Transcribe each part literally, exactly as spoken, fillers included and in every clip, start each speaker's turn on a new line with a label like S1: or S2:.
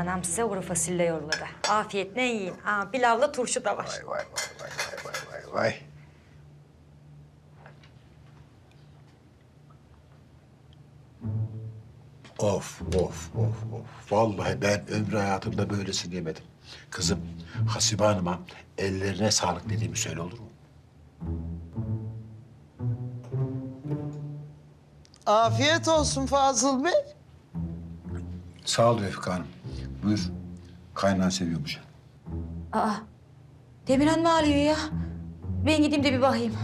S1: Anam size kuru fasulye yolladı. Afiyetle yiyin. Aa, pilavla turşu da var.
S2: Vay vay vay vay vay vay vay. Of of of of. Vallahi ben ömrü hayatımda böylesini yemedim. Kızım Hasibe Hanım'a ellerine sağlık dediğimi söyle olur mu?
S3: Afiyet olsun Fazıl Bey.
S2: Sağ ol Refika Hanım. Buyur. Kaynağı seviyormuş.
S1: Aa, Demirhan mı ağlıyor ya? Ben gideyim de bir bakayım.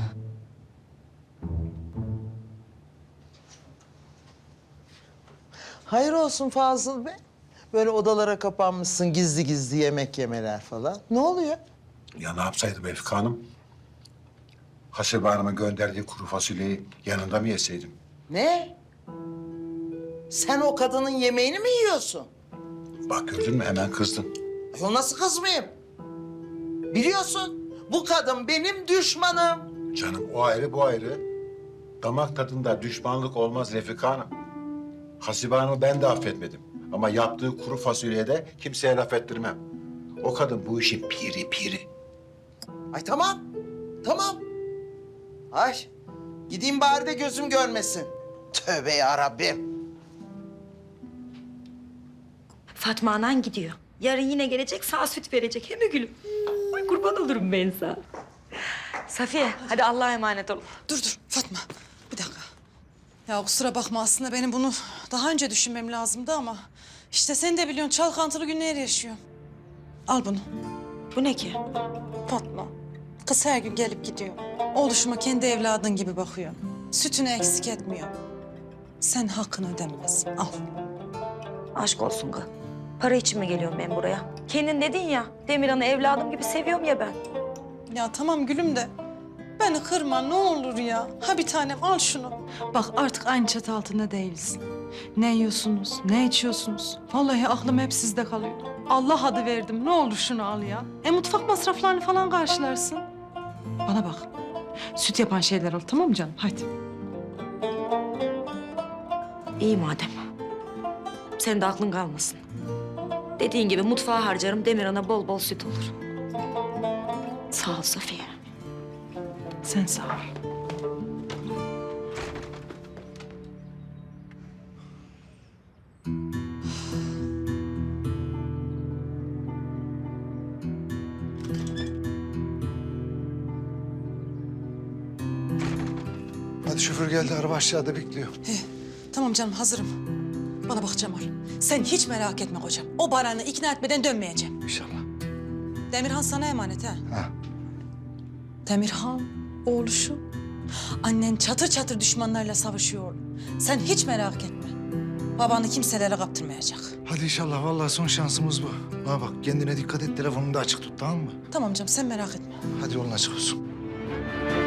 S3: Hayır olsun Fazıl Bey. Böyle odalara kapanmışsın gizli gizli yemek yemeler falan. Ne oluyor?
S2: Ya ne yapsaydım Refika Hanım? Hasibe Hanım'ın gönderdiği kuru fasulyeyi yanında mı yeseydim?
S3: Ne? Sen o kadının yemeğini mi yiyorsun?
S2: Bak gördün mü hemen kızdın.
S3: Ay, o nasıl kızmayayım? Biliyorsun bu kadın benim düşmanım.
S2: Canım o ayrı bu ayrı. Damak tadında düşmanlık olmaz Refika Hanım. Hasibe Hanım'ı ben de affetmedim. Ama yaptığı kuru fasulyeye de kimseye laf ettirmem. O kadın bu işin piri piri.
S3: Ay tamam, tamam. Ay gideyim bari de gözüm görmesin. Tövbe yarabbim.
S1: Fatma anan gidiyor. Yarın yine gelecek, sağ süt verecek. Hem gülüm. Ay kurban olurum ben sana. Safiye, hadi Allah'a emanet ol.
S4: Dur dur Fatma, bir dakika. Ya kusura bakma aslında benim bunu daha önce düşünmem lazımdı ama... ...işte sen de biliyorsun çalkantılı günler yaşıyorum. Al bunu.
S1: Bu ne ki?
S4: Fatma, kız her gün gelip gidiyor. Oğluşuma kendi evladın gibi bakıyor. Sütünü eksik etmiyor. Sen hakkını ödemezsin, al.
S1: Aşk olsun kız. Para için mi geliyorum ben buraya? Kendin dedin ya, Demirhan'ı evladım gibi seviyorum ya ben.
S4: Ya tamam gülüm de beni kırma ne olur ya. Ha bir tanem al şunu. Bak artık aynı çatı altında değiliz. Ne yiyorsunuz, ne içiyorsunuz? Vallahi aklım hep sizde kalıyor. Allah adı verdim ne olur şunu al ya. E mutfak masraflarını falan karşılarsın. Bana bak. Süt yapan şeyler al tamam mı canım? Hadi.
S1: İyi madem. Senin de aklın kalmasın. Dediğin gibi mutfağa harcarım, Demirhan'a bol bol süt olur. Sağ ol Safiye.
S4: Sen sağ ol.
S5: Hadi şoför geldi, araba aşağıda bekliyor.
S4: He, tamam canım hazırım. Bana bak Cemal. Sen hiç merak etme kocam. O Baran'ı ikna etmeden dönmeyeceğim.
S5: İnşallah.
S4: Demirhan sana emanet ha.
S5: Ha.
S4: Demirhan, oğluşu. Annen çatır çatır düşmanlarla savaşıyor oğlum. Sen hiç merak etme. Babanı kimselere kaptırmayacak.
S5: Hadi inşallah, vallahi son şansımız bu. Bana bak, kendine dikkat et, telefonunu da açık tut, tamam mı?
S4: Tamam canım sen merak etme.
S5: Hadi yolun açık olsun.